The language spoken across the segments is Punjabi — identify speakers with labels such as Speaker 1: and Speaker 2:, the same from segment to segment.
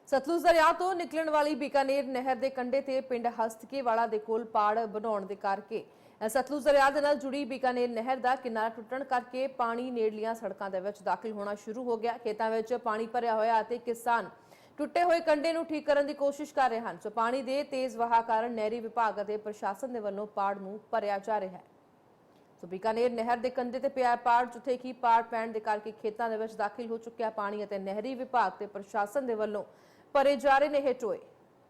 Speaker 1: ਸਤਲੁਜ ਦਰਿਆ ਤੋਂ ਨਿਕਲਣ ਵਾਲੀ ਬੀਕਾਨੇਰ ਨਹਿਰ ਦੇ ਕੰਢੇ ਤੇ ਪਿੰਡ ਹਸਤਕੇਵਾਲਾ ਦੇ ਕੋਲ ਪਾੜ ਬਣਾਉਣ ਦੇ ਕਰਕੇ ਸਤਲੁਜ ਦਰਿਆ ਦੇ ਨਾਲ ਜੁੜੀ ਬੀਕਾਨੇਰ ਨਹਿਰ ਦਾ ਕਿਨਾਰਾ ਟੁੱਟਣ ਕਰਕੇ ਪਾਣੀ ਨੇੜਲੀਆਂ ਸੜਕਾਂ ਦੇ ਵਿੱਚ ਦਾਖਲ ਹੋਣਾ ਸ਼ੁਰੂ ਹੋ ਗਿਆ। ਖੇਤਾਂ ਵਿੱਚ ਪਾਣੀ ਭਰਿਆ ਹੋਇਆ ਅਤੇ ਕਿਸਾਨ ਟੁੱਟੇ ਹੋਏ ਕੰਢੇ ਨੂੰ ਠੀਕ ਕਰਨ ਦੀ ਕੋਸ਼ਿਸ਼ ਕਰ ਰਹੇ ਹਨ। ਸੋ ਪਾਣੀ ਦੇ ਤੇਜ਼ ਵਹਾਅ ਕਾਰਨ ਨਹਿਰੀ ਵਿਭਾਗ ਅਤੇ ਪ੍ਰਸ਼ਾਸਨ ਦੇ ਵੱਲੋਂ ਪਾੜ ਨੂੰ ਭਰਿਆ ਜਾ ਰਿਹਾ ਹੈ। ਸੋ ਬੀਕਾਨੇਰ ਨਹਿਰ ਦੇ ਕੰਢੇ ਤੇ ਪਿਆ ਪਾੜ, ਜਿੱਥੇ ਕਿ ਪਾੜ ਪੈਣ ਦੇ ਕਰਕੇ ਖੇਤਾਂ ਦੇ ਵਿੱਚ ਦਾਖਲ ਹੋ ਚੁੱਕਿਆ ਪਾਣੀ ਅਤੇ ਨਹਿਰੀ ਵਿਭਾਗ ਤੇ ਪ੍ਰਸ਼ਾਸਨ ਦੇ ਵੱਲੋਂ ਭਰੇ ਜਾ ਰਹੇ ਨੇ ਇਹ ਟੋਏ।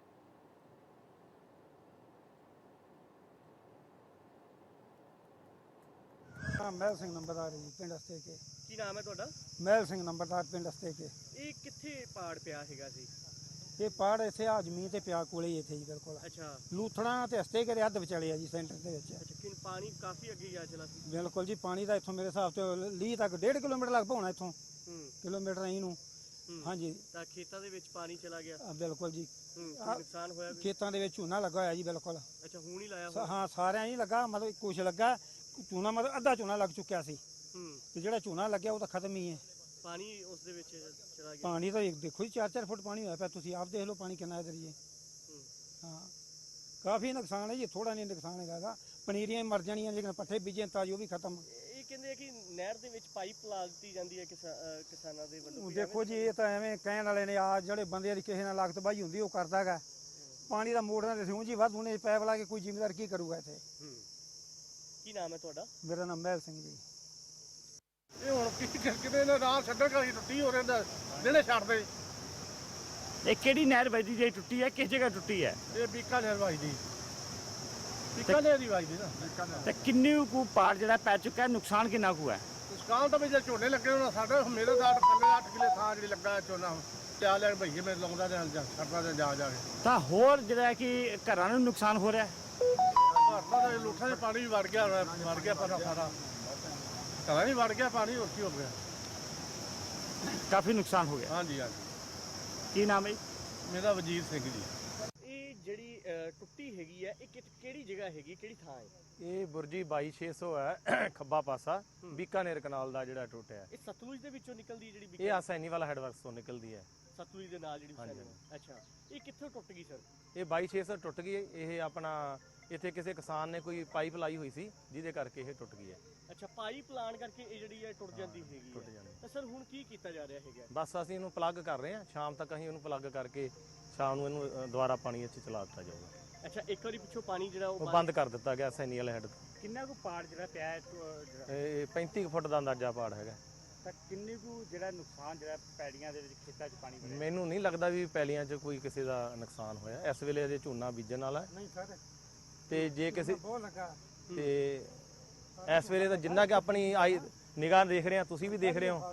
Speaker 2: महल सिंह नंबरदार जी पिंड हस्तेके।
Speaker 3: ਕੀ ਨਾਮ ਹੈ ਤੁਹਾਡਾ?
Speaker 2: महल सिंह नंबरदार पिंड हस्तेके।
Speaker 3: ਇਹ ਕਿੱਥੇ ਪਾੜ ਪਿਆ ਹੈਗਾ ਸੀ?
Speaker 2: ये पहाड़ इत्थे आ जमीन ते पिया कोले ही इत्थे जी बिल्कुल
Speaker 3: ਅੱਛਾ
Speaker 2: लूथड़ा ते हस्तेके दे हद विचाले आ जी सेंटर दे विच।
Speaker 3: ਅੱਛਾ ਕਿ ਪਾਣੀ ਕਾਫੀ ਅੱਗੇ ਜਾ ਚਲਾ ਸੀ।
Speaker 2: बिल्कुल जी पानी दा इत्थों मेरे हिसाब ते लीह तक 1.5 किलोमीटर लग पौना इत्थों किलोमीटर अहीं नूं। हाँ जी
Speaker 3: ਤਾਂ ਖੇਤਾਂ ਦੇ ਵਿੱਚ ਪਾਣੀ ਚਲਾ ਗਿਆ।
Speaker 2: बिल्कुल जी
Speaker 3: ਕੋਈ ਨੁਕਸਾਨ ਹੋਇਆ ਵੀ?
Speaker 2: खेतां दे विच झोना लगा होया जी बिल्कुल।
Speaker 3: ਅੱਛਾ ਹੁਣ ਹੀ ਲਾਇਆ ਹੋਇਆ।
Speaker 2: हाँ सारे ही लगा मतलब कुछ लगा झोना मतलब अद्धा झोना लग चुक्या सी ते जेड़ा झोना लग्या वो तां खत्म ही है।
Speaker 3: ਪਾਣੀ ਉਸ ਦੇ ਵਿੱਚ ਚਲਾ ਗਿਆ।
Speaker 2: पानी तो देखो जी 4-4 फुट पानी होया पिया, तुसीं आप देख लो पानी कितना इधर जी। हाँ काफ़ी नुकसान है जी, थोड़ा नहीं नुकसान हैगा। पनीरियां मर जानियां लेकिन पट्ठे बीजे ताजी वो भी खत्म।
Speaker 3: ਇਹ ਕਹਿੰਦੇ ਆ ਕਿ ਨਹਿਰ ਦੇ ਵਿੱਚ ਪਾਈਪ ਲਾ ਦਿੱਤੀ ਜਾਂਦੀ ਹੈ ਕਿਸਾਨਾਂ ਦੇ ਵੱਲੋਂ।
Speaker 2: देखो जी ये तो एवें कहण वाले ने आ ਜਿਹੜੇ ਬੰਦੇ ਦੀ ਕਿਸੇ ਨਾਲ ਲਾਗਤ ਬਾਈ ਹੁੰਦੀ ਉਹ ਕਰਦਾ ਹੈਗਾ। ਪਾਣੀ ਦਾ ਮੋੜਨਾ ਤੇ ਸਿਉਂ ਜੀ ਵੱਧ ਹੁਣੇ ਪੈਪ ਲਾ ਕੇ ਕੋਈ ਜ਼ਿੰਮੇਦਾਰ ਕੀ ਕਰੂਗਾ ਇੱਥੇ।
Speaker 3: ਕੀ ਨਾਮ ਹੈ ਤੁਹਾਡਾ?
Speaker 2: ਮੇਰਾ ਨਾਮ ਮਹਿਲ ਸਿੰਘ ਜੀ।
Speaker 4: ਇਹ ਹੁਣ ਕਿਤੇ ਨਾ ਰਾਹ ਛੱਡਣ ਕਰੀ ਟੁੱਟੀ ਹੋ ਰਹਿੰਦਾ ਜਿਹੜੇ ਛੱਡਦੇ।
Speaker 5: ਇਹ ਕਿਹੜੀ ਨਹਿਰ ਵੱਜਦੀ ਜਿਹੜੀ ਟੁੱਟੀ ਹੈ, ਕਿਸ ਜਗ੍ਹਾ ਟੁੱਟੀ ਹੈ?
Speaker 4: ਇਹ ਬੀਕਾਨੇਰ ਵੱਜਦੀ, ਬੀਕਾਨੇਰ ਦੀ ਵੱਜਦੀ ਨਾ ਬੀਕਾਨੇਰ।
Speaker 5: ਤੇ ਕਿੰਨੇ ਕੁ ਪਾੜ ਜਿਹੜਾ ਪੈ ਚੁੱਕਾ ਹੈ, ਨੁਕਸਾਨ ਕਿੰਨਾ ਕੁ ਹੈ?
Speaker 4: ਨੁਕਸਾਨ ਤਾਂ ਵੀ ਜੇ ਝੋਨੇ ਲੱਗੇ ਹੋਣਾ ਸਾਡੇ ਮੇਰੇ ਦਾ ਥੱਲੇ 8 ਕਿਲੇ ਥਾਂ ਜਿਹੜੀ ਲੱਗਾ ਹੈ ਝੋਨਾ ਤਿਆ ਲੈਣ ਭਈਏ ਮੇਰੇ ਲਾਉਂਦਾ ਤੇ ਹਲ ਜਾ ਛੱਡਦਾ ਤੇ ਜਾ ਕੇ
Speaker 5: ਤਾਂ ਹੋਰ ਜਿਹੜਾ ਕਿ ਘਰਾਂ ਨੂੰ ਨੁਕਸਾਨ ਹੋ ਰਿਹਾ ਹੈ।
Speaker 4: ਭਾਰਤਾਂ ਦੇ ਲੂਠਾਂ ਦੇ ਪਾਣੀ ਵੀ ਵੜ ਗਿਆ ਪਰ ਸਾਰਾ ਘਰਾਂ ਵੀ ਵੜ ਗਿਆ ਪਾਣੀ, ਹੋਰ ਕੀ ਹੋ ਗਿਆ।
Speaker 5: ਕਾਫੀ ਨੁਕਸਾਨ ਹੋ ਗਿਆ।
Speaker 4: ਹਾਂਜੀ ਹਾਂਜੀ
Speaker 5: ਕੀ ਨਾਮ ਹੈ ਜੀ?
Speaker 4: ਮੇਰਾ ਵਜੀਰ ਸਿੰਘ ਜੀ।
Speaker 3: ਇਹ ਜਿਹੜੀ ਟੁੱਟੀ ਹੈਗੀ ਹੈ, ਇਹ ਕਿਹੜੀ ਜਗ੍ਹਾ ਹੈਗੀ, ਕਿਹੜੀ ਥਾਂ ਹੈ?
Speaker 6: ਇਹ ਬੁਰਜੀ 22600 ਹੈ ਖੱਬਾ ਪਾਸਾ ਬੀਕਾਨੇਰ ਕਨਾਲ ਦਾ ਜਿਹੜਾ ਟੁੱਟਿਆ।
Speaker 3: ਇਹ ਸਤਲੁਜ ਦੇ ਵਿੱਚੋਂ ਨਿਕਲਦੀ ਜਿਹੜੀ
Speaker 6: ਇਹ ਆਸੈਨੀ ਵਾਲਾ ਹੈਡਵਰਕਸ ਤੋਂ ਨਿਕਲਦੀ ਹੈ।
Speaker 3: ਸਤਲੁਜ ਦੇ ਨਾਲ ਜਿਹੜੀ
Speaker 6: ਹਾਂਜੀ।
Speaker 3: ਅੱਛਾ ਇਹ ਕਿੱਥੋਂ ਟੁੱਟ ਗਈ ਸਰ?
Speaker 6: ਇਹ 22600 ਟੁੱਟ ਗਈ। ਇਹ ਆਪਣਾ ਇੱਥੇ ਕਿਸੇ ਕਿਸਾਨ ਨੇ ਕੋਈ ਪਾਈਪ ਲਾਈ ਹੋਈ ਸੀ ਜਿਹਦੇ ਕਰਕੇ ਇਹ ਟੁੱਟ ਗਈ ਹੈ।
Speaker 3: ਅੱਛਾ ਪਾਈਪ ਲਾਣ ਕਰਕੇ ਇਹ ਜਿਹੜੀ ਹੈ ਟੁੱਟ ਜਾਂਦੀ ਹੈਗੀ
Speaker 6: ਟੁੱਟ
Speaker 3: ਹੈ।
Speaker 6: ਜਾਂਦੀ।
Speaker 3: ਤਾਂ ਸਰ ਹੁਣ ਕੀ ਕੀਤਾ ਜਾ ਰਿਹਾ ਹੈਗਾ?
Speaker 6: ਬਸ ਅਸੀਂ ਇਹਨੂੰ ਪਲੱਗ ਕਰ ਰਹੇ ਹਾਂ, ਸ਼ਾਮ ਤੱਕ ਅਸੀਂ ਇਹਨੂੰ ਪਲੱਗ ਕਰਕੇ ਸ਼ਾਮ ਨੂੰ ਇਹਨੂੰ ਦੁਬਾਰਾ ਪਾਣੀ ਇੱਥੇ ਚਲਾ ਦਿੱਤਾ ਜਾਊਗਾ।
Speaker 3: ਅੱਛਾ ਇੱਕ ਵਾਰੀ ਪਿੱਛੋਂ ਪਾਣੀ ਜਿਹੜਾ
Speaker 6: ਉਹ ਬੰਦ ਕਰ ਦਿੱਤਾ ਗਿਆ ਆਸੈਨੀ ਵਾਲੇ ਹੈਡ ਤੋਂ।
Speaker 5: ਕਿੰਨਾ ਕੁ ਪਾੜ ਜਿਹੜਾ ਪਿਆ ਹੈ
Speaker 6: ਇਹ 35 ਫੁੱਟ ਦਾ ਅੰਦਾਜ਼ਾ ਪਾੜ ਹੈਗਾ।
Speaker 5: ਤਾਂ ਕਿੰਨੇ ਕੁ ਜਿਹੜਾ ਨੁਕਸਾਨ ਜਿਹੜਾ ਪੈੜੀਆਂ ਦੇ ਵਿੱਚ ਖੇਤਾਂ 'ਚ ਪਾਣੀ ਵੜਿਆ?
Speaker 6: ਮੈਨੂੰ ਨਹੀਂ ਲੱਗਦਾ ਵੀ ਪੈਲੀਆਂ 'ਚ ਕੋਈ ਕਿਸੇ ਦਾ ਨੁਕਸਾਨ ਹੋਇਆ। ਇਸ ਵੇਲੇ ਅਜੇ ਝੋਨਾ ਬੀਜਣ ਵਾਲਾ ਹੈ
Speaker 2: ਨਹੀਂ ਸਰ
Speaker 6: ਤੇ ਜੇ ਕਿਸੇ
Speaker 2: ਬਹੁਤ ਲੱਗਾ
Speaker 6: ਤੇ ਇਸ ਵੇਲੇ ਤਾਂ ਜਿੰਨਾ ਕਿ ਆਪਣੀ ਆਈ ਨਿਗਾਹ ਦੇਖ ਰਹੇ ਆ, ਤੁਸੀਂ ਵੀ ਦੇਖ ਰਹੇ ਹੋ,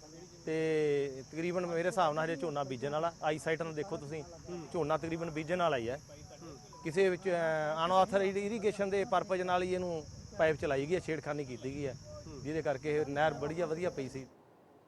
Speaker 6: ਤੇ ਤਕਰੀਬਨ ਮੇਰੇ ਹਿਸਾਬ ਨਾਲ ਹਜੇ ਝੋਨਾ ਬੀਜਣ ਵਾਲਾ। ਆਈ ਸਾਈਟ ਨਾਲ ਦੇਖੋ ਤੁਸੀਂ, ਝੋਨਾ ਤਕਰੀਬਨ ਬੀਜਣ ਵਾਲਾ ਹੀ ਹੈ। ਕਿਸੇ ਵਿੱਚ ਅਨਆਥੋਰਾਈਜ਼ਡ ਇਰੀਗੇਸ਼ਨ ਦੇ ਪਰਪਸ ਨਾਲ ਹੀ ਇਹਨੂੰ ਪਾਈਪ ਚਲਾਈ ਗਈ ਹੈ, ਛੇੜਖਾਨੀ ਕੀਤੀ ਗਈ ਹੈ, ਜਿਹਦੇ ਕਰਕੇ ਇਹ ਨਹਿਰ ਬੜੀ ਵਧੀਆ ਪਈ ਸੀ।